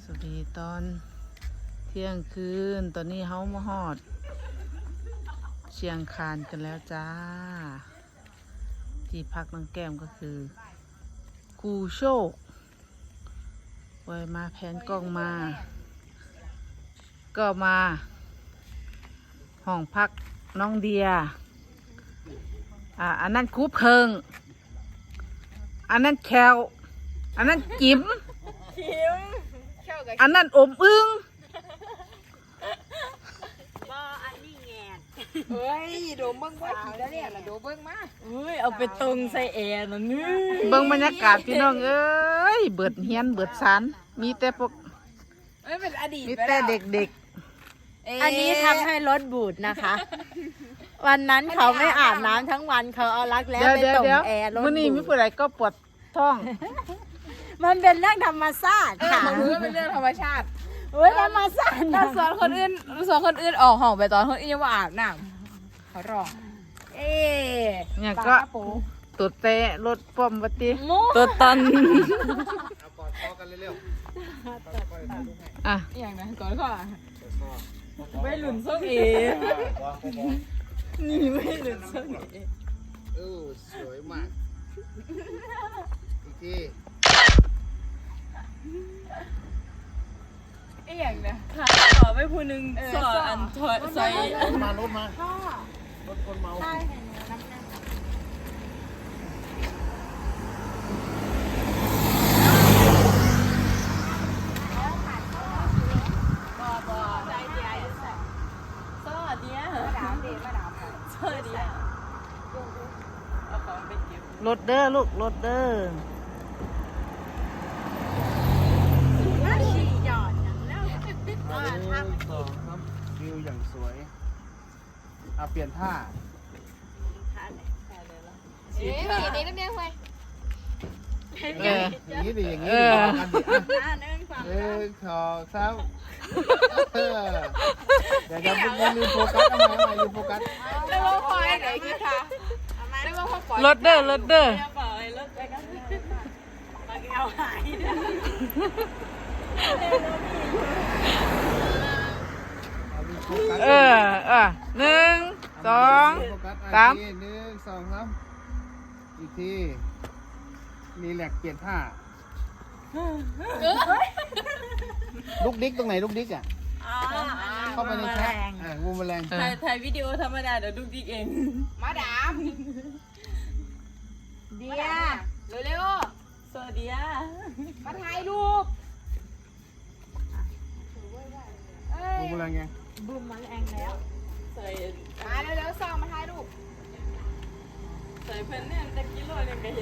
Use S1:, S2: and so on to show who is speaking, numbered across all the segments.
S1: วัสดีตอนเที่ยงคืนตอนนี้เฮามาฮอดเชียงคานกันแล้วจ้าที่พักน้องแก้มก็คือกูโชคไว้มาแผนกล้องมา ก็มาห้องพักน้องเดียอันนั้นคูเพิงอันนั้นแคลอันนั้นจิ๋มอันนั้นอมอึ้ง
S2: อันนี้แงน
S3: เฮ้ยโดมเบิ้งว่าขี่แล้วเนี่ยนะโดมเบิ้งมา
S2: เอาไปตรงใส่แอร์นะนี่
S1: เบิ่งบรรยากาศพี่น้องเอ้ยเบิดเฮียนเบิดสารมีแต่พวก
S3: เป็นอดีต
S1: มีแต่เด็ก
S2: อันนี้ทำให้รถบูดนะคะ วันนั้นเขาไม่อาบน้ำทั้งวันเขาเอารัก
S1: ๆ
S2: แร้
S1: เดี๋ยว
S2: ไป
S1: เดี๋ยว
S2: ตรง
S1: เดี๋ยว
S2: แอร์รถ
S1: มื้อนี้มี
S2: บูด
S1: ผู้ใดก็ปวดท้อง
S2: มันเป็นเรื่องธรรมชาติค่ะ
S3: มันรู้ว่าเป็นเรื่องธรรมชาติ
S2: เฮ้ยธรรมชาติ
S3: ถ้าสอนคนอื่นออกห้องไปตอนคนอื่นยังว่าอาบน้ำเขาร้องเอ๊
S1: เนี่ยก็ตุดเตะรถป้อมวัติ
S2: ตัวตัน
S4: กอดคอกันเร็ว
S1: อ่ะ
S3: อย่างนั้นก่อนข้อ
S2: ไม่หลุนส้มเอ นี่ไม่หลุนส้มเอ
S4: สวยมากอีกที
S3: อย่างนะ
S2: ค่ะขอไปพูนึงสออันถอยใส่
S4: รถมารถคนเมา
S2: สอเดียสอเดียเอาของไปเก็บ
S1: รถเด้อลูกรถเด้อ
S2: หยอดอย่างแล้ว
S4: ครับวิวอย่างสวยเปลี่ยนท่า
S1: เออ
S4: อย่างนี้ดิอย่างนี้
S1: เอ
S4: ดิ
S1: อ
S4: กันดิขอครับเดี๋ยวลืมโฟกัสทำไมลืมโฟกัส
S3: ได้ว่าคอยไหนคือค่ะได้ว่าเขาปล่อย
S1: รถเด้อรถเด้อ
S2: เปล่าไอ้รถไปกันมาแก้วหายนะ
S4: ลืมโฟกัส
S1: หนึ่งสอง
S4: โฟกัส
S1: สาม
S4: 1 2 3อีกทีรีแลกเปลี่ยนท่าลูกดิ๊กตรงไหนลูกดิ๊กอ่ะเข้าไปในแชทงูแมลง
S2: ถ่ายวิดีโอธรรมดาเดี๋ยวดูดิกเอง
S3: มาดามเดียเร็ว
S2: สวัสดีอ่ะ
S3: ๆมาถ่ายรูป
S4: งูแมลงไง
S2: บูมมาแรงแล้วใส่
S3: มาเร็วๆซองมาถ่ายรูป
S2: ใส่เพิ่นเนี่ยตะกี้โลนึงก็เห็น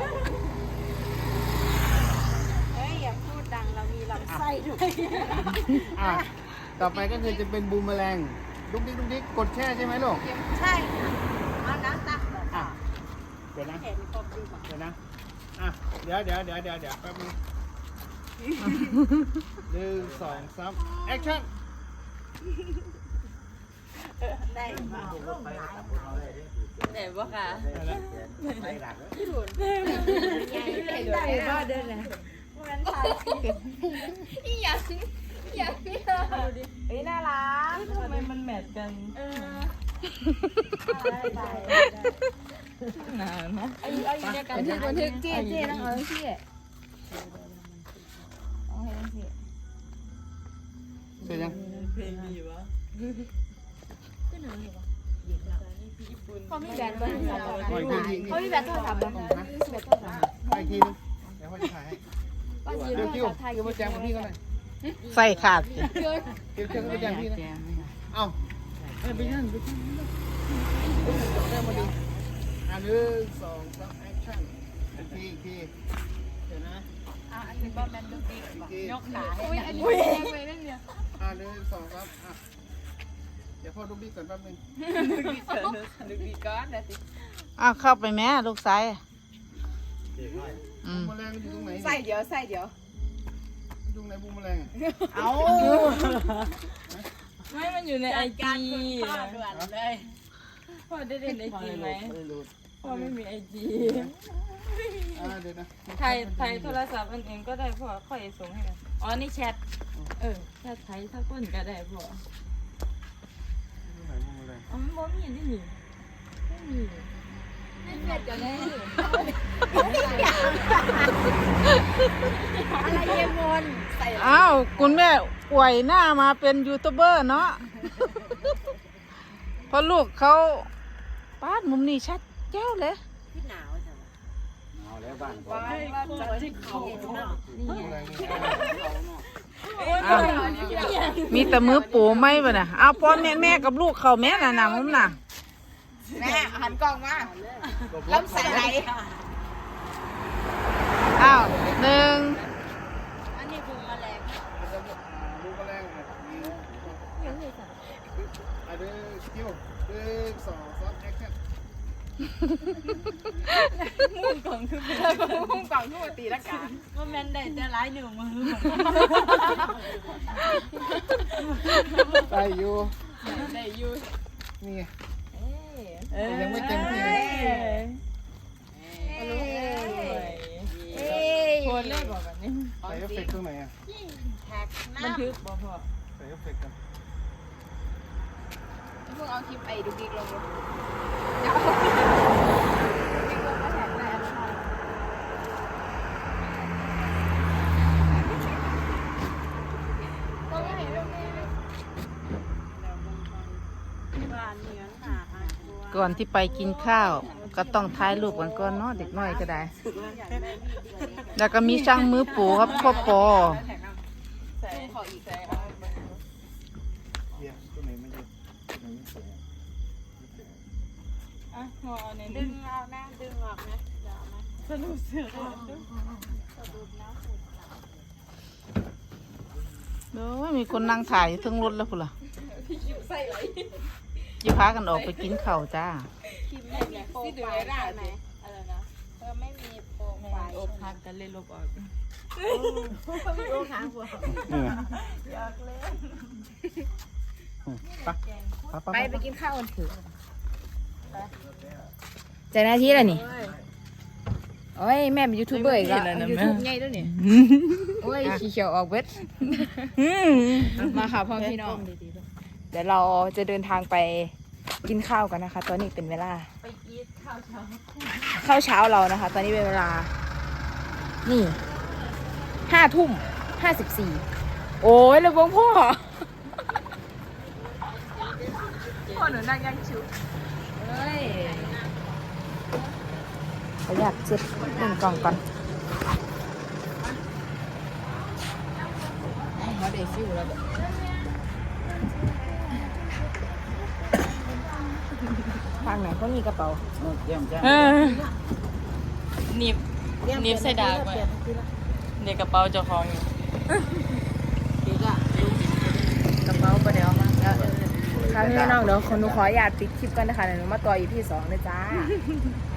S3: เฮ้ยอย่าพูดดังเรามีลำไส้
S2: ด้วย
S4: ต่อไปก็คือจะเป็นบูมแมลงลูกดิ๊กลูกดิ๊กกดแช่ใช่ไหมลูก
S3: ใช่ค่ะเอาน้ำตักแบบ
S4: เดี๋ยวนะ
S3: เห็นครบดีกว่า
S4: เดี๋ยวนะเดี๋ยวแป๊บนึง1 2 3แอคชั่น
S3: ได้มา
S2: ไหนบ่ค่ะ
S3: ได้บ้าเดินเลยมันถ่ายเฮ้ยน่ารัก
S2: ทำไมมันแมทกันนานนะ
S3: เอาอยู่ในกันบันทึกเจ๊ต้องเอาที่เอาให้ที่
S4: เสร็จยัง
S2: เพลงดีวะ
S3: เขามีแบตบ้าง
S4: อีกที
S3: เขามีแบตโทรศัพท์บ้าง
S4: อีกทีนึงเดี๋ยวพ่อจะถ่ายให้เดี๋ยวคิวเดี๋ยวมาแจมกับพี่ก็ได้
S1: ใส่ขาด
S4: เดี๋ยวมาแจมพี่นะเอ้าไปนั่นแจมมาดิ1 2 3แอคชั่นอีกทีเดี๋ยวนะ
S3: อันนี้ก็แมนดูดี
S4: อีกที
S3: ยกขาให้อันนี้ไปเล่นเนี่ย
S4: 1 2 3เดี๋ยวพ่อลูกดิ๊กก่อนแป๊บนึง
S3: ดูดีก้อนนะสิ
S1: เข้าไปแม่ลูกสายอื
S4: บู
S1: ม
S4: มแมลงอยู่ตรงไหน
S3: ใส่เดี๋ยว
S4: ตรงไหนบูมแมลง
S3: เอา
S2: ไม่มันอยู่ในไอจี
S3: ด่วนเลย
S2: พ่อได้เล่นไอจีไหม
S4: ไม่รู้
S3: พ่อไม่มีไอจี
S4: เดี๋ยวนะ
S3: ถ่ายโทรศัพท์อันเองก็ได้พ่อค่อยส่งให้กันอ๋อนี่แชทแชทไทยถ้าก้นก็ได้พ่ออ๋อบ่มีนี่นี่ไม่มีไม่เผ็ดกันเลย
S2: อะไรเยมนใส่
S1: อ้าวคุณแม่อวยหน้ามาเป็นยูทูบเบอร์เนาะ เพราะลูกเขาป้าดมุมนี้ชัดแจ้วเลย
S2: ที่หนาวจัง
S4: เอาแล้วบ้าน
S3: จะที่เขา
S1: อ้าวมีแต่มือปูไม่ป่ะน่ะเอาพ่อแม่กับลูกเขาแม่น่ะนะมุมน่ะ
S3: แม่หันกล้องมาล้ำใส่ไหล
S1: อ้าวหนึ่ง
S2: อันนี้บุงแมลง
S4: ดูกระแรงเลยเดี๋ยวคิว1 2 3แอคชั่น
S3: มุ่งกล่องคือมุ่งกล่องคือปกติละกัน
S2: ว่าแมนได้แต่ร้ายหนึ่งมือ
S4: ไปอยู่
S3: ได้อยู่
S4: นี่ยังไม่เต็มที่
S3: โพสเลขบอกแบบนี้
S4: ใส่เอฟเฟกต์ตรงไหนอ่ะ
S3: บันทึกบอกพ่อ
S4: ใส่เอฟเฟกต์กัน
S3: เพิ่งเอาคลิปไอ้ดูกิ๊กลง
S1: ก่อนที่ไปกินข้าว ก็ต้องถ่ายรูปกันก่อนเนาะเด็กน้อยก็ได้ แล้วก็มีช่างมือปูครับพ่อปอ
S3: ใส่ขออีกใส่
S4: เดี๋ยวตรงไหนไม่เยอะตรงไหนไม่สวย
S3: อ่ะงอใน
S2: ดึงเอานะดึงออกนะเดี๋ยวเอามา
S3: สนุกเสือ
S1: โอ้ยมีคนนั่งถ่ายอยู่เทั้งรถแล้วพุ่นล่ะยิ่พากันออกไปกินข้าวจ้า
S2: คิมไม่มีโปรไฟล์ใช่ไหมอะไรนะเธอไม่มีโปรไฟล์
S3: โอบพักกันเลยลบออก
S2: โอ้ขาหัว
S3: ไปกินข้าวกันเถอะใจหน้าที่อะไรนี่โอ้ยแม่เป็นยูทูบเบอร์อีกแล้วยูทูบใหญ่ด้วยนี่โอ้ยขี้เขียวออกเวทมาค่ะพ่อพี่น้องเดี๋ยวเราจะเดินทางไปกินข้าวกันนะคะ ตอนนี้เป็นเวลา
S2: ไปอีทข้าวเช้า
S3: ข้าวเช้าเรานะคะ ตอนนี้เป็นเวลา นี่5:54โอ้ยเลยบงพ่อพ่อหนูนั่งยังชิวเฮ้ยขออยากเช็ดหนึ่งกล่องก่อนเขาเด็กฟิวแล้วแบบทางไหนก็มีกระเป๋าหนีบใส่ดาบไว้เดี๋ยวกระเป๋าเจ้าของอยู่กระเป๋าประเดี๋ยวมาแล้วค่ะพี่น้องเดี๋ยวคนหนูขออนุญาตปิดคลิปกันนะคะเดี๋ยวหนูมาต่ออีพี2เลยจ้า